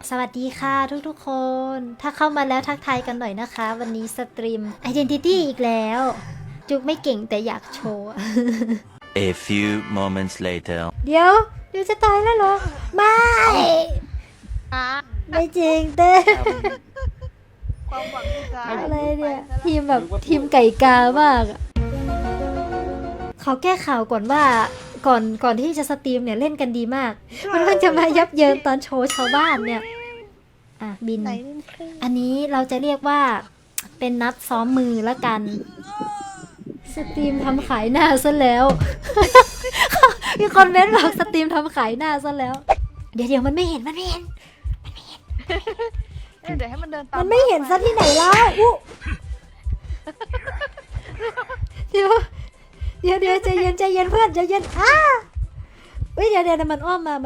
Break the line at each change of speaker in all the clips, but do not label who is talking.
สวัสดีค่ะทุกๆคน ถ้าเข้ามาแล้วทักทายกันหน่อยนะคะ วันนี้สตรีม Identity อีกแล้ว จุกไม่เก่งแต่อยากโชว์
A few moments later
เดี๋ยวจะตายแล้วเหรอ ไม่จริงเต้
ความหวังสุดท้าย
อะไรเนี่ยทีมแบบทีมไก่กามากอะเขาแก้ข่าวก่อนว่าก่อนที่จะสตรีมเนี่ยเล่นกันดีมาก มันเพิ่งจะมายับเยินตอนโชว์ชาวบ้านเนี่ยอ่ะบิน อันนี้เราจะเรียกว่าเป็นนัดซ้อมมือละกัน สตรีมทำขายหน้าซะแล้ว มีคอมเมนต์บอกสตรีมทำขายหน้าซะแล้ว เดี๋ยวมันไม่เห็น
เดี๋ยวให้มันเดินตาม
มันไม่เห็นซะที่ไหนล่ะอู้เดี๋ยวใจเย็นเพื่อนใจเย็นเฮ้ยเดี๋ยวมันอ้อมมา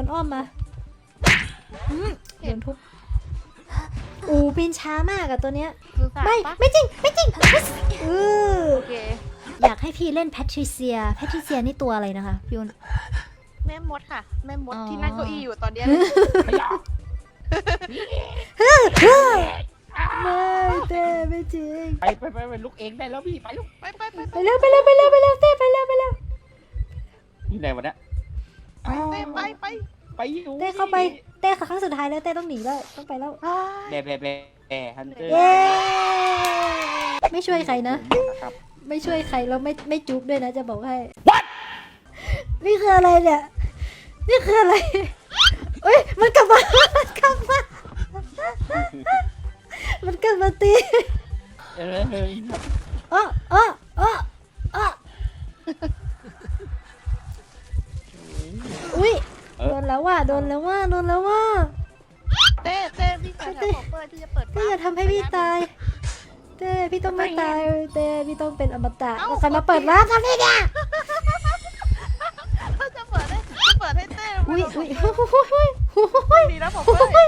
โดนทุบปีนช้ามากอะตัวเนี้ยไม่จริง
โอเค
อยากให้พี่เล่นแพทริเซียนี่ตัวอะไรนะคะพี่อ้น
แม่มดค่ะแม่มดที่นั่งเก้าอี้อยู่ตอนเนี้ย
ไม่เต้ไม่จริง
ไปลุกเองได้แล้วพี่ไปลุก
ไป
ไปเร็วเต้ไปเร็ว
อยู่ไหนวะเนี่ย
ไป
อยู่
เต้เข้าไปเต้ครั้งสุดท้ายแล้วเต้ต้องหนีแล้วต้องไปแล้ว
แบฮันเตอร์
เย้ไม่ช่วยใครนะ
ครับ
ไม่ช่วยใครแล้วไม่จุ๊บด้วยนะจะบอกให้ นี่คืออะไรเนี่ยนี่คืออะไรเอ้ยมันกลับมาตีอุ้ยโดนแล้วว่า
เต้พี่ชายแถวของเปิดที่จะเปิด
เต้อย่าทำให้พี่ตายเต้พี่ต้องไม่ตายเต้พี่ต้องเป็นอมตะใครมาเปิดร้านทำนี่เนี่ย
จะเปิดให้เต้
อุ้ย
ดีแล้วผมเปิด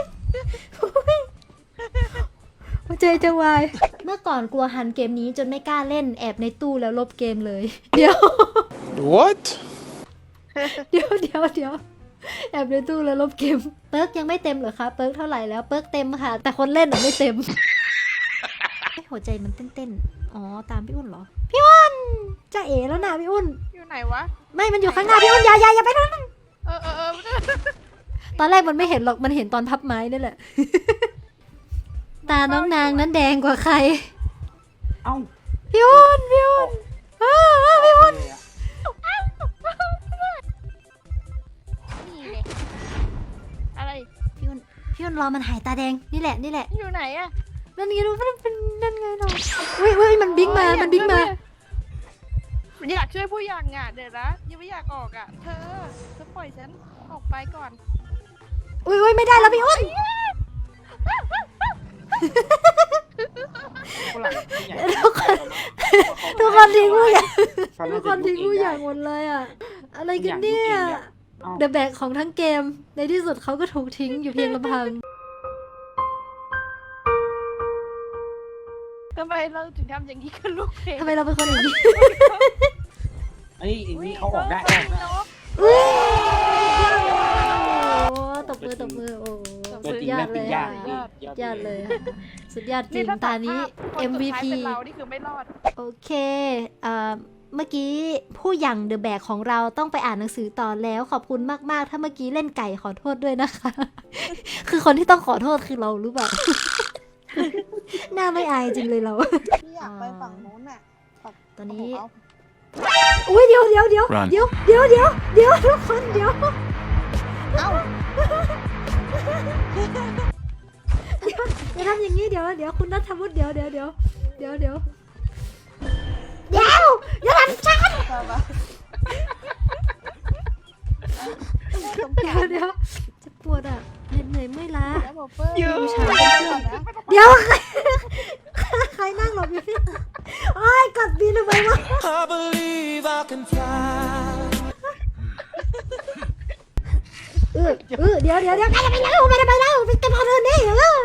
หัวใจจะวายเมื่อก่อนกลัวฮันเกมนี้จนไม่กล้าเล่นแอบในตู้แล้วลบเกมเลย เดี๋ยว
What
เดี๋ยวแอบในตู้แล้วลบเกมเปิร์กยังไม่เต็มเหรอคะเปิร์กเท่าไหร่แล้วเปิร์กเต็มค่ะแต่คนเล่นไม่เต็มหัวใจมันเต้นอ๋อตามพี่อุ่นเหรอพี่อุ่นจะเอ๋แล้วนะพี่อุ่น
อยู่ไหนวะ
ไม่มันอยู่ข้างหน้าพี่อุ่นอย่าไปทางนั้น
เออ
ตอนแรกมันไม่เห็นหรอกมันเห็นตอนพับไม้นี่แหละ ตาน้องนางนั้นแดงกว่าใคร
เอ้า
พี่อุ่นพี่อุ่น
นี่เลยอะไร
พี่อุ่นรอมันหายตาแดงนี่แหละ
อยู่ไหนอะ
นั่นไงดูมันเป็นนั่นไงเราอุ้ยมันบิ๊กมา
อยากช่วยผู้ยังอ่ะเดี๋ยวนะยังไม่อยากออกอ่ะเธอปล่อยฉันออกไปก่อน
อุ้ยไม่ได้แล้วพี่อุ่นทุกคนทิ้งผู้อย่างหมดเลยอ่ะอะไรกันเนี่ยเดอะแบกของทั้งเกมในที่สุดเขาก็ถูกทิ้งอยู่เพียงลำพัง
ทำไมเราถึงทำอย่างนี้กับลูกเพลง
ทำไมเราเป็นคนอย่างนี้
ไอ้นี่เขาออกได้
โอ้ตบมือโอ้สุดยอดเลยสุดยอดจริงตานี้ MVP
เรานี่คือไม่รอด
โอเคเมื่อกี้ผู้หยั่งเดอะแบกของเราต้องไปอ่านหนังสือต่อแล้วขอบคุณมากๆถ้าเมื่อกี้เล่นไก่ขอโทษด้วยนะคะ คือคนที่ต้องขอโทษคือเรารู้เปล่า หน้าไม่อายจริงเลยเรา
พี่อยากไปฝั่งโน้นน่ะ
ตอนนี้อุ้ยเดี๋ยวทุกคนเดี๋ยว
เอ้า
อย่าทำอย่างนี้เดี๋ยวคุณนัทวุฒิเดี๋ยวอย่าทำฉันเดี๋ยวจะปวดอ่ะเหนื่อยไม่ล้าผู้ชายเดี๋ยวใครนั่งหลบอยู่นี่โอ้ยกดบินทำไมวะเดี๋ยวไม่ได้ไปแล้วเป็นกระเพาะเดินนี่แล้ว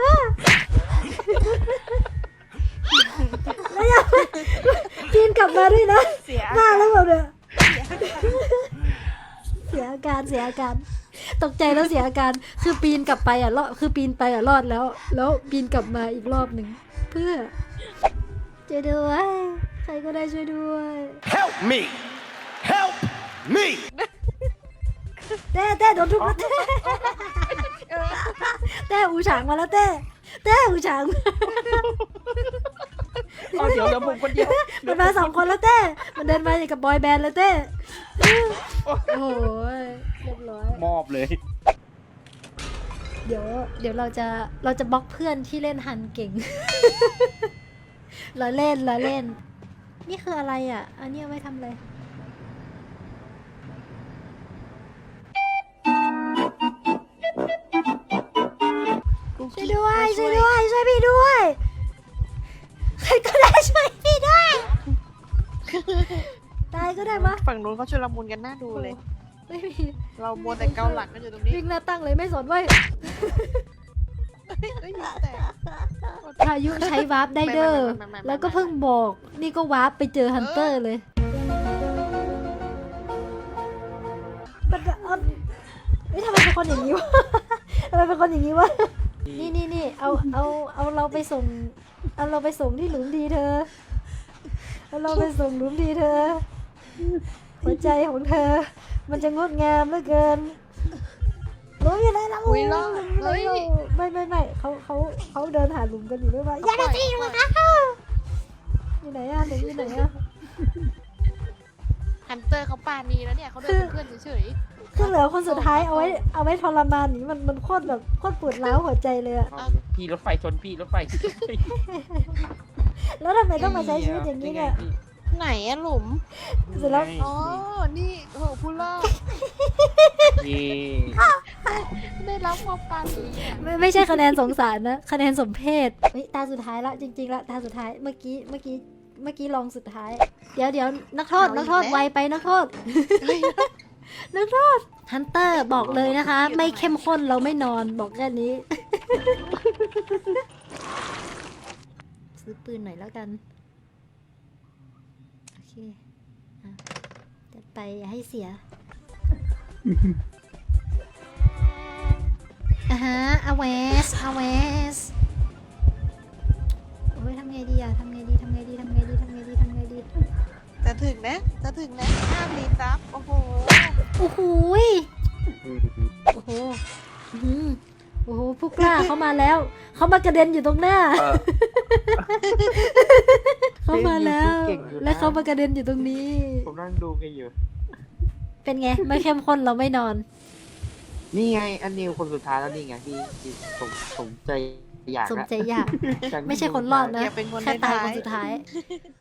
อย่าปีนกลับมาด้วยนะมาแล้วแบบเนี่ยเสียอาการตกใจแล้วเสียอาการคือปีนกลับไปอ่ะรอดคือปีนไปอ่ะรอดแล้ว แล้วปีนกลับมาอีกรอบหนึ่งเพื่อช่วยด้วยใครก็ได้ช่วยด้วย
Help me! Help me!
เต้โดนทุบแล้วเต้อูฉางมาแล้วเต้อูฉาง
เอาเดี๋ยวผมคนเดียว
มันมา2 คนแล้วเต้มันเดินมาอย่างกับบอยแบนด์เลยเต้โอ้โหเรียบร้อย
มอบเลย
เดี๋ยวเราจะบล็อกเพื่อนที่เล่นฮันเก่ง เราเล่น นี่คืออะไรอ่ะ อันนี้เอาไว้ทำอะไร ช่วยด้วยช่วยพี่ด้วย ใครก็ได้ช่วยพี่ด้วย ตายก็ได้ปะ
ฝั่งนู้นเขาชุลมุนกันน่าดูเลย
ไม่มี
เรามัวแต่เกาหลังกันอยู่ตรงนี้
วิ่งหน้าตั้งเลยไม่สนเว้ย
เอ้ยแต่
พายุใช้วาร์ปได้เด้อ แล้วก็เพิ่งบอก นี่ก็วาร์ปไปเจอฮันเตอร์เลยมันจะเฮ้ยทำไมเป็นคนอย่างนี้วะ ทำไมเป็นคนอย่างนี้วะ นี่เอาเราไปส่ง เอาเราไปส่งที่หลุมดีเธอ เอาเราไปส่งหลุมดีเธอ หัวใจของเธอ มันจะงดงามเหลือเกินรู้อยู่แล้ว
อุ๊ยรอด
เฮ้ยไม่เขาเดินหาหลุมกันอยู่ด้วยว่าอย่าได้ตีหลุมนะอยู่ไหนอะหลุมอยู่ไหนอะ
ฮันเตอร์เขาปานีแล้วเนี่ยเขาเดินเป็นเพื่อนเฉย
คือเหลือคนสุดท้ายเอาไว้ทรมานนี้มันโคตรแบบโคตรปวดร้าวหัวใจเลยอะ
พี่รถไฟชนพี่รถไฟ
แล้วทำไมต้องมาใช้ชีวิตอย่างนี้เนี่ย
ๆไหนอะหลุม
เสร็จแล้ว
อ๋อ นี่โอ้โหผู้รอด
นี่
ได้รับความปานีอะ
ไม่ใช่คะแนนสงสารนะ คะแนนสมเพศเฮ้ยตาสุดท้ายละจริงๆละตาสุดท้ายเมื่อกี้ลองสุดท้าย เดี๋ยวนักโทษไวไปนักโทษ นักโทษฮันเตอร์บอกเลยนะคะ ไม่เข้มข้นเราไม่นอนบอกแค่นี้ ซื้อปืนหน่อยแล้วกัน โอเคอ่ะจัดไปอย่าให้เสีย ฮะอเวสโอ้ยทำไงดีอะทำไงดี
จะถึงนะห้ามรีบรับ โอ้โห
โอ้โหยโอ้โหอื้อหือโอ้โหผู้กล้าเขามาแล้ว เขามากระเด็นอยู่ตรงหน้า เขามาแล้ว และเขามากระเด็นอยู่ตรงนี้
ผมนั่งดูแกอยู่
เป็นไง ไม่เข้มข้นเราไม่นอน
นี่ไงอันนิวคนสุดท้ายแล้วนี่ไงที่สมใจอยาก
สม
ละ
ใจอยาก ไม่ใช่คนรอดนะ
อยากเป็นคน
แค่ตาย
ท้ายๆ
คนสุดท้าย